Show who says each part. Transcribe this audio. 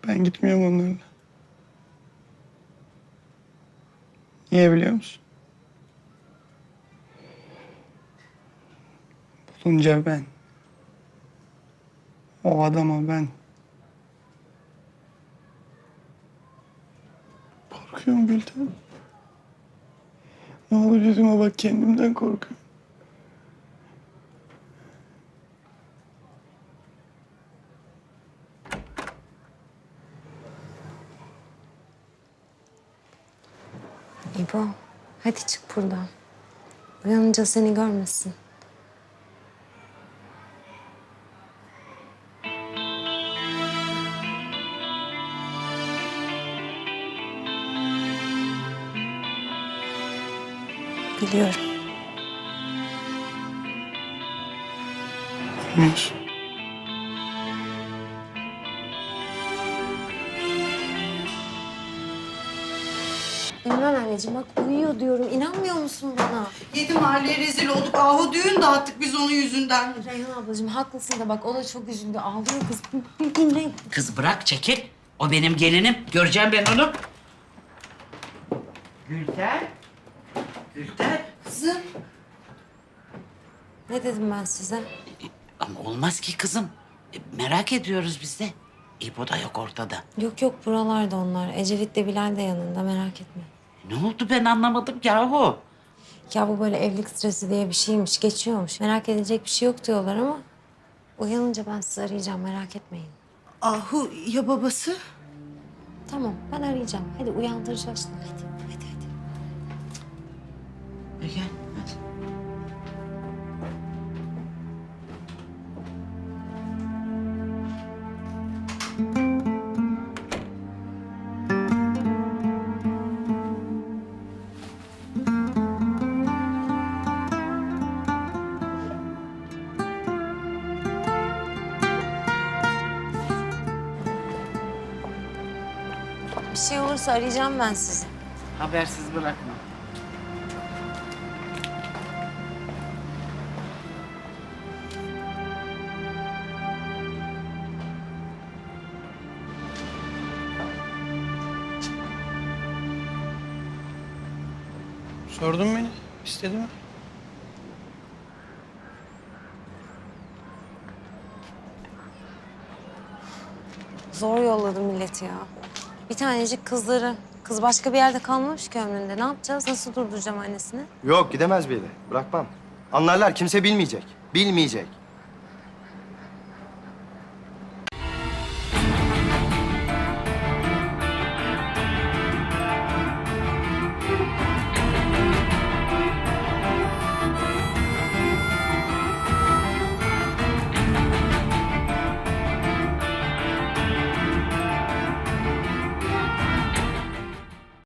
Speaker 1: Ben gitmiyorum onlarla. Niye biliyor musun? Bulunca ben. O adama ben. Korkuyorum Gülten. Ne olur yüzüme bak, kendimden korkuyorum.
Speaker 2: İbo, hadi çık buradan. Uyanınca seni görmesin. Biliyorum.
Speaker 1: Olmaz.
Speaker 2: İmran anneciğim bak uyuyor diyorum. İnanmıyor musun bana?
Speaker 3: Yedi mahalleye rezil olduk. Ahu düğün dağıttık biz onun yüzünden.
Speaker 2: Reyhan ablacığım haklısın da bak o da çok üzüldü. Ağlıyor kız. Bir dinle.
Speaker 4: Kız bırak, çekil. O benim gelinim. Göreceğim ben onu. Gülten. Gülten.
Speaker 3: Kızım.
Speaker 2: Ne dedim ben size?
Speaker 4: Ama olmaz ki kızım. Merak ediyoruz biz de. İbo da yok ortada.
Speaker 2: Yok yok buralarda onlar. Ecevit de Bilal de yanında merak etme.
Speaker 4: Ne oldu ben anlamadım yahu.
Speaker 2: Ya bu böyle evlilik stresi diye bir şeymiş, geçiyormuş. Merak edecek bir şey yok diyorlar ama... Uyanınca ben sizi arayacağım, merak etmeyin.
Speaker 3: Ahu ya babası?
Speaker 2: Tamam, ben arayacağım. Hadi uyandıracağız şimdi. Hadi.
Speaker 4: Gel hadi.
Speaker 2: Bir şey olursa arayacağım ben sizi.
Speaker 4: Habersiz bırakma.
Speaker 1: Sordun beni. İstedi mi?
Speaker 2: Zor yolladı milleti ya. Bir tanecik kızları. Kız başka bir yerde kalmamış ki ömründe. Ne yapacağız? Nasıl durduracağım annesini?
Speaker 5: Yok gidemez bir yere. Bırakmam. Anlarlar kimse bilmeyecek. Bilmeyecek.